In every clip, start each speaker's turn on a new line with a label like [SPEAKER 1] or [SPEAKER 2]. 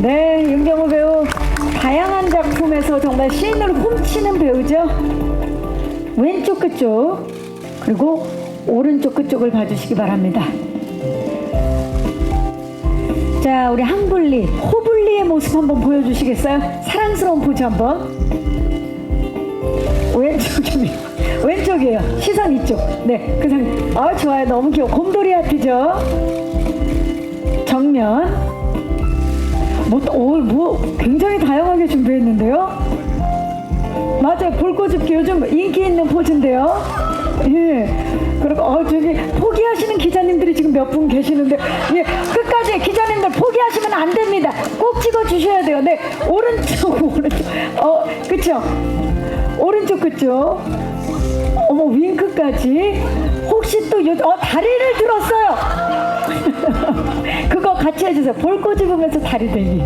[SPEAKER 1] 네, 윤경호 배우 다양한 작품에서 정말 시인을 훔치는 배우죠. 왼쪽 끝쪽 그리고 오른쪽 끝쪽을 봐주시기 바랍니다. 자, 우리 항불리, 호불리의 모습 한번 보여주시겠어요? 사랑스러운 포즈 한번. 왼쪽이에요. 시선 이쪽. 네, 그 상. 아, 좋아요. 너무 귀여워. 곰돌이 하트죠. 정면. 굉장히 다양하게 준비했는데요. 맞아요. 볼꼬집기 요즘 인기 있는 포즈인데요. 예. 그리고 저기 포기하시는 기자님들이 지금 몇 분 계시는데, 예, 끝까지 기자님들 포기하시면 안 됩니다. 꼭 찍어 주셔야 돼요. 네, 오른쪽. 그쵸? 오른쪽 그쪽. 어머, 윙크까지. 혹시 또 다리를 들었어요. 그거 같이 해주세요. 볼 꼬집으면서 다리 들기.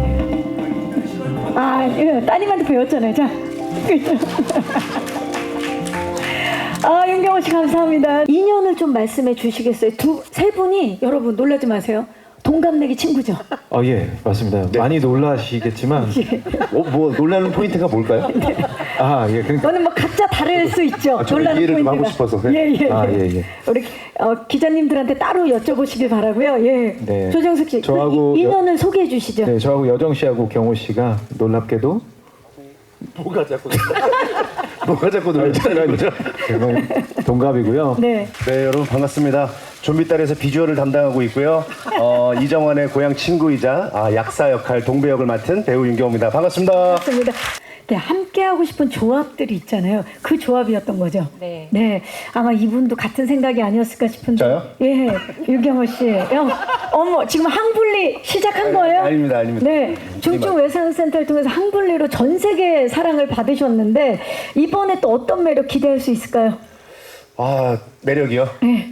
[SPEAKER 1] 예, 따님한테 배웠잖아요. 자. 윤경호 씨 감사합니다. 인연을 좀 말씀해 주시겠어요? 세 분이 여러분 놀라지 마세요. 동갑내기 친구죠?
[SPEAKER 2] 예, 맞습니다. 네. 많이 놀라시겠지만
[SPEAKER 3] 놀라는 포인트가 뭘까요?
[SPEAKER 1] 네.
[SPEAKER 2] 예, 그러니까
[SPEAKER 1] 저는 각자 다를 수 있죠. 놀라는
[SPEAKER 3] 이해를 좀
[SPEAKER 1] 포인트가.
[SPEAKER 3] 하고 싶어서.
[SPEAKER 1] 예.
[SPEAKER 2] 예.
[SPEAKER 1] 우리 기자님들한테 따로 여쭤보시길 바라고요. 예.
[SPEAKER 2] 네.
[SPEAKER 1] 조정석 씨,
[SPEAKER 2] 저하고
[SPEAKER 1] 인연을 소개해 주시죠.
[SPEAKER 2] 네, 저하고 여정 씨하고 경호 씨가 놀랍게도
[SPEAKER 3] 뭐가 자꾸 놀라는 거죠?
[SPEAKER 2] 동갑이고요.
[SPEAKER 1] 네.
[SPEAKER 3] 네, 여러분 반갑습니다. 좀비딸에서 비주얼을 담당하고 있고요. 이정환의 고향 친구이자 약사 역할 동배 역을 맡은 배우 윤경호입니다. 반갑습니다.
[SPEAKER 1] 맞습니다. 네, 함께 하고 싶은 조합들이 있잖아요. 그 조합이었던 거죠. 네. 아마 이분도 같은 생각이 아니었을까 싶은데.
[SPEAKER 3] 저요?
[SPEAKER 1] 예, 유경호 씨. 어머, 지금 항불리 시작한 거예요?
[SPEAKER 3] 아닙니다.
[SPEAKER 1] 네, 중증외상센터를 통해서 항불리로 전 세계 사랑을 받으셨는데 이번에 또 어떤 매력 기대할 수 있을까요?
[SPEAKER 3] 매력이요?
[SPEAKER 1] 네.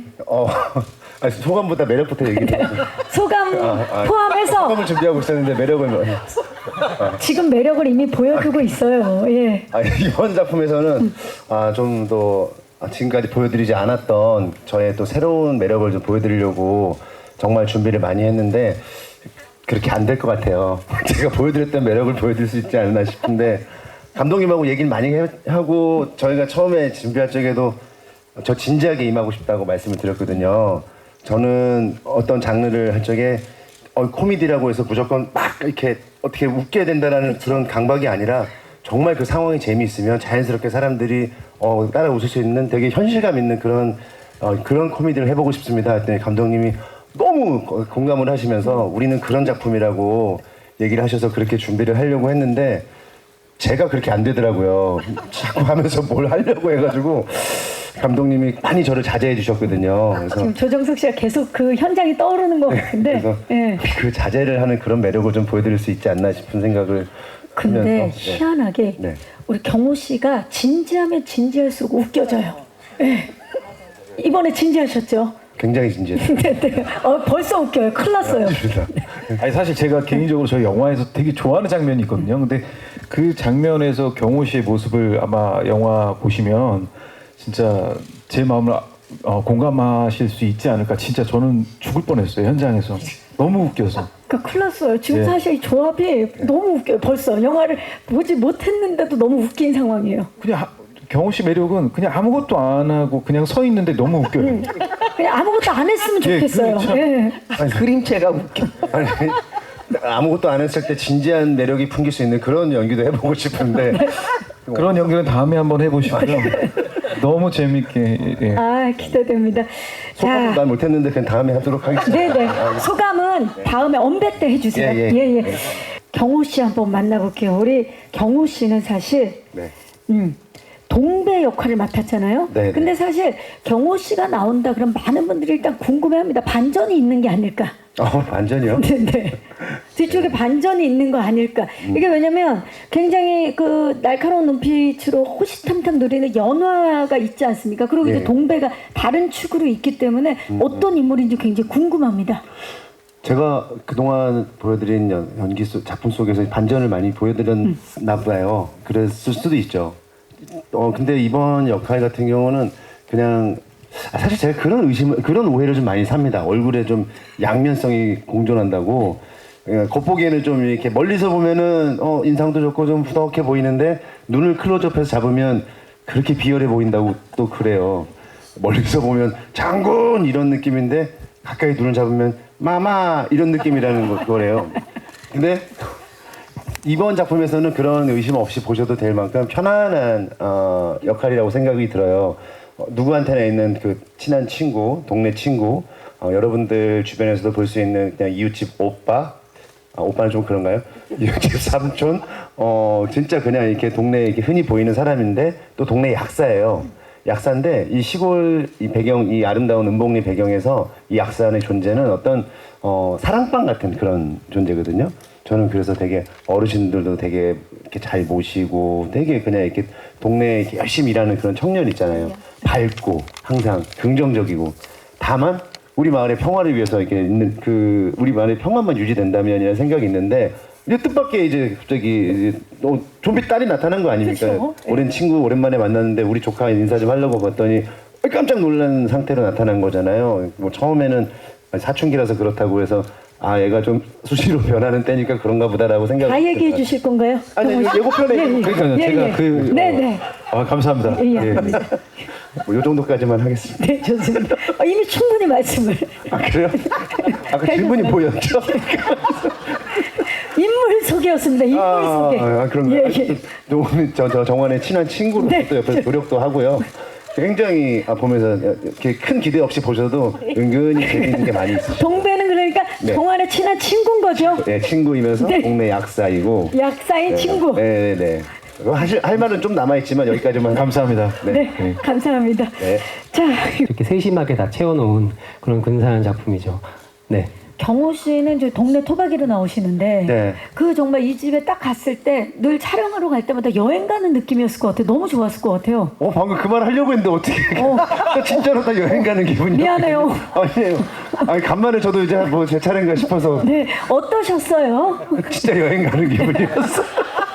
[SPEAKER 3] 소감보다 매력부터 얘기해요.
[SPEAKER 1] 소감 포함해서
[SPEAKER 3] 소감을 준비하고 있었는데 매력은
[SPEAKER 1] 지금 매력을 이미 보여주고 있어요. 예.
[SPEAKER 3] 이번 작품에서는 좀 더 지금까지 보여드리지 않았던 저의 또 새로운 매력을 좀 보여드리려고 정말 준비를 많이 했는데 그렇게 안 될 것 같아요. 제가 보여드렸던 매력을 보여드릴 수 있지 않나 싶은데 감독님하고 얘기를 많이 하고 저희가 처음에 준비할 적에도 저 진지하게 임하고 싶다고 말씀을 드렸거든요. 저는 어떤 장르를 할 적에 코미디라고 해서 무조건 막 이렇게 어떻게 웃게 된다라는 그런 강박이 아니라 정말 그 상황이 재미있으면 자연스럽게 사람들이 따라 웃을 수 있는 되게 현실감 있는 그런 코미디를 해보고 싶습니다 했더니 감독님이 너무 공감을 하시면서 우리는 그런 작품이라고 얘기를 하셔서 그렇게 준비를 하려고 했는데 제가 그렇게 안 되더라고요. 자꾸 하면서 뭘 하려고 해가지고 감독님이 많이 저를 자제해 주셨거든요. 그래서
[SPEAKER 1] 지금 조정석 씨가 계속 그 현장이 떠오르는 것 같은데.
[SPEAKER 3] 그래서 그 자제를 하는 그런 매력을 좀 보여드릴 수 있지 않나 싶은 생각을
[SPEAKER 1] 근데
[SPEAKER 3] 하면서
[SPEAKER 1] 희한하게 우리 경호 씨가 진지하면 진지할수록 웃겨져요. 네. 이번에 진지하셨죠?
[SPEAKER 3] 굉장히 진지해요.
[SPEAKER 1] 네. 벌써 웃겨요. 큰일 났어요.
[SPEAKER 2] 사실 제가 개인적으로 저 영화에서 되게 좋아하는 장면이 있거든요. 근데 그 장면에서 경호 씨의 모습을 아마 영화 보시면 진짜 제 마음을 공감하실 수 있지 않을까. 진짜 저는 죽을 뻔했어요, 현장에서. 너무 웃겨서.
[SPEAKER 1] 그러니까 큰일 났어요. 지금 사실 이 조합이 너무 웃겨요. 벌써 영화를 보지 못했는데도 너무 웃긴 상황이에요.
[SPEAKER 2] 그냥 경호 씨 매력은 그냥 아무것도 안 하고 그냥 서 있는데 너무 웃겨요.
[SPEAKER 1] 그냥 아무것도 안 했으면 좋겠어요.
[SPEAKER 3] 그림체가 웃겨. 아무것도 안 했을 때 진지한 매력이 풍길 수 있는 그런 연기도 해보고 싶은데
[SPEAKER 2] 그런 연기는 다음에 한번 해보시고요. 너무 재밌게.
[SPEAKER 1] 기대됩니다.
[SPEAKER 3] 소감은 난 못했는데 그냥 다음에 하도록 하겠습니다.
[SPEAKER 1] 네네. 소감은 다음에 언배 때 해주세요. 예. 경호 씨 한번 만나볼게요. 우리 경호 씨는 사실 동배 역할을 맡았잖아요.
[SPEAKER 3] 네네.
[SPEAKER 1] 근데 사실 경호 씨가 나온다 그럼 많은 분들이 일단 궁금해합니다. 반전이 있는 게 아닐까?
[SPEAKER 3] 반전이요?
[SPEAKER 1] 네. 뒤쪽에 반전이 있는 거 아닐까? 이게 왜냐면 굉장히 그 날카로운 눈빛으로 호시탐탐 노리는 연화가 있지 않습니까? 그리고 이제 동배가 다른 축으로 있기 때문에 어떤 인물인지 굉장히 궁금합니다.
[SPEAKER 3] 제가 그동안 보여드린 연기 작품 속에서 반전을 많이 보여드렸나 봐요. 그랬을 수도 있죠. 근데 이번 역할 같은 경우는 그냥 사실 제가 그런 오해를 좀 많이 삽니다. 얼굴에 좀 양면성이 공존한다고. 겉보기에는 좀 이렇게 멀리서 보면은 인상도 좋고 좀 부덕해 보이는데 눈을 클로즈업해서 잡으면 그렇게 비열해 보인다고 또 그래요. 멀리서 보면 장군 이런 느낌인데 가까이 눈을 잡으면 마마 이런 느낌이라는 거래요. 근데 이번 작품에서는 그런 의심 없이 보셔도 될 만큼 편안한 역할이라고 생각이 들어요. 누구한테나 있는 그 친한 친구, 동네 친구, 여러분들 주변에서도 볼 수 있는 그냥 이웃집 오빠, 오빠는 좀 그런가요? 이웃집 삼촌, 진짜 그냥 이렇게 동네에 이렇게 흔히 보이는 사람인데 또 동네 약사예요. 약사인데 이 시골 이 배경, 이 아름다운 은봉리 배경에서 이 약사의 존재는 어떤 사랑방 같은 그런 존재거든요. 저는 그래서 되게 어르신들도 되게 이렇게 잘 모시고 되게 그냥 이렇게 동네에 이렇게 열심히 일하는 그런 청년 있잖아요. 밝고 항상 긍정적이고 다만 우리 마을의 평화를 위해서 이렇게 있는 그 우리 마을의 평화만 유지된다면이라는 생각이 있는데 이제 뜻밖의 이제 갑자기 이제 좀비 딸이 나타난 거 아닙니까?
[SPEAKER 1] 그쵸?
[SPEAKER 3] 오랜 친구 오랜만에 만났는데 우리 조카 인사 좀 하려고 봤더니 깜짝 놀란 상태로 나타난 거잖아요. 뭐 처음에는 사춘기라서 그렇다고 해서 아 얘가 좀 수시로 변하는 때니까 그런가 보다라고 생각.
[SPEAKER 1] 다 얘기해 주실 건가요?
[SPEAKER 3] 아니 예고편에
[SPEAKER 2] 그러니까요. 제가
[SPEAKER 1] 네네.
[SPEAKER 2] 감사합니다.
[SPEAKER 1] 예,
[SPEAKER 2] 예.
[SPEAKER 3] 뭐 요 정도까지만 하겠습니다.
[SPEAKER 1] 네, 좋습니다. 이미 충분히 말씀을.
[SPEAKER 3] 아 그래요? 아까 질문이 보였죠?
[SPEAKER 1] 인물 소개였습니다. 인물 소개.
[SPEAKER 3] 그런가요?
[SPEAKER 1] 예, 예.
[SPEAKER 3] 또 오늘 저 정환의 친한 친구로
[SPEAKER 1] 네.
[SPEAKER 3] 또 옆에서 노력도 하고요. 굉장히 보면서 이렇게 큰 기대 없이 보셔도 은근히 재밌는 게 많이 있으시죠.
[SPEAKER 1] 동배는 그러니까
[SPEAKER 3] 네.
[SPEAKER 1] 동안의 친한 친구인 거죠.
[SPEAKER 3] 네, 친구이면서
[SPEAKER 1] 네.
[SPEAKER 3] 동네 약사이고.
[SPEAKER 1] 약사인 친구.
[SPEAKER 3] 네네네. 할 말은 좀 남아있지만 여기까지만.
[SPEAKER 2] 감사합니다.
[SPEAKER 1] 네, 감사합니다.
[SPEAKER 3] 네.
[SPEAKER 1] 자,
[SPEAKER 4] 이렇게 세심하게 다 채워놓은 그런 근사한 작품이죠. 네.
[SPEAKER 1] 경호 씨는 이제 동네 토박이로 나오시는데
[SPEAKER 3] 네.
[SPEAKER 1] 그 정말 이 집에 딱 갔을 때 늘 촬영하러 갈 때마다 여행 가는 느낌이었을 것 같아요. 너무 좋았을 것 같아요.
[SPEAKER 3] 방금 그 말 하려고 했는데 어떻게. 진짜로 다 여행 가는 기분이요.
[SPEAKER 1] 미안해요.
[SPEAKER 3] 아니에요. 아니, 간만에 저도 이제 뭐 제 차례인가 싶어서.
[SPEAKER 1] 네, 어떠셨어요?
[SPEAKER 3] 진짜 여행 가는 기분이었어.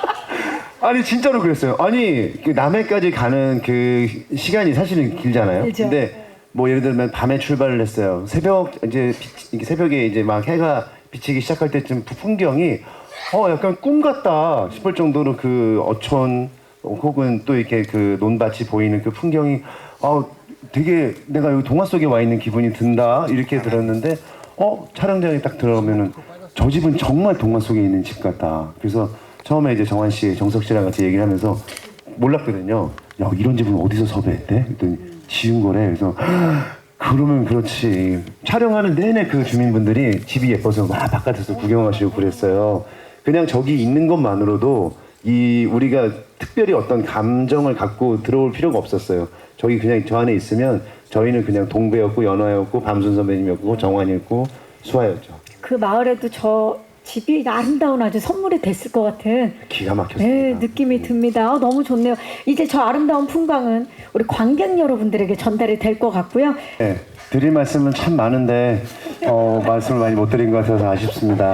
[SPEAKER 3] 아니 진짜로 그랬어요. 아니 그 남해까지 가는 그 시간이 사실은 길잖아요.
[SPEAKER 1] 그렇죠.
[SPEAKER 3] 근데 뭐 예를 들면 밤에 출발을 했어요. 새벽 이제 이게 새벽에 이제 막 해가 비치기 시작할 때쯤 그 풍경이 약간 꿈 같다 싶을 정도로 그 어촌 혹은 또 이렇게 그 논밭이 보이는 그 풍경이 되게 내가 여기 동화 속에 와 있는 기분이 든다 이렇게 들었는데 촬영장에 딱 들어오면은 저 집은 정말 동화 속에 있는 집 같다. 그래서 처음에 이제 정환 씨, 정석 씨랑 같이 얘기를 하면서 몰랐거든요. 야 이런 집은 어디서 섭외했대? 그랬더니 지은 거래. 그래서 그러면 그렇지. 촬영하는 내내 그 주민분들이 집이 예뻐서 막 바깥에서 구경하시고 그랬어요. 그냥 저기 있는 것만으로도 우리가 특별히 어떤 감정을 갖고 들어올 필요가 없었어요. 저기 그냥 저 안에 있으면 저희는 그냥 동배였고 연화였고 밤순 선배님이었고 정환이었고 수아였죠.
[SPEAKER 1] 그 마을에도 저 집이 아름다운 아주 선물이 됐을 것 같은
[SPEAKER 3] 기가 막혔습니다.
[SPEAKER 1] 네, 느낌이 듭니다. 너무 좋네요. 이제 저 아름다운 풍광은 우리 관객 여러분들에게 전달이 될 것 같고요.
[SPEAKER 3] 네, 드릴 말씀은 참 많은데 말씀을 많이 못 드린 것 같아서 아쉽습니다.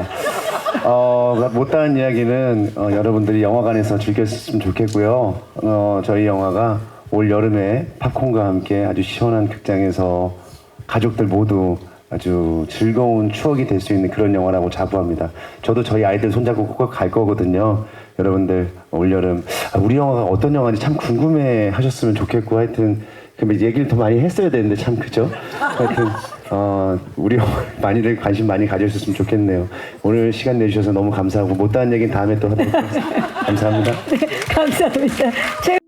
[SPEAKER 3] 못다한 이야기는 여러분들이 영화관에서 즐겼으면 좋겠고요. 저희 영화가 올 여름에 팝콘과 함께 아주 시원한 극장에서 가족들 모두 아주 즐거운 추억이 될 수 있는 그런 영화라고 자부합니다. 저도 저희 아이들 손잡고 꼭 갈 거거든요. 여러분들 올여름 우리 영화가 어떤 영화인지 참 궁금해 하셨으면 좋겠고 하여튼 얘기를 더 많이 했어야 되는데 참 그죠? 하여튼 우리 영화 많이들 관심 많이 가져주셨으면 좋겠네요. 오늘 시간 내주셔서 너무 감사하고 못다한 얘기는 다음에 또 하도록 하겠습니다. 감사합니다.
[SPEAKER 1] 네, 감사합니다.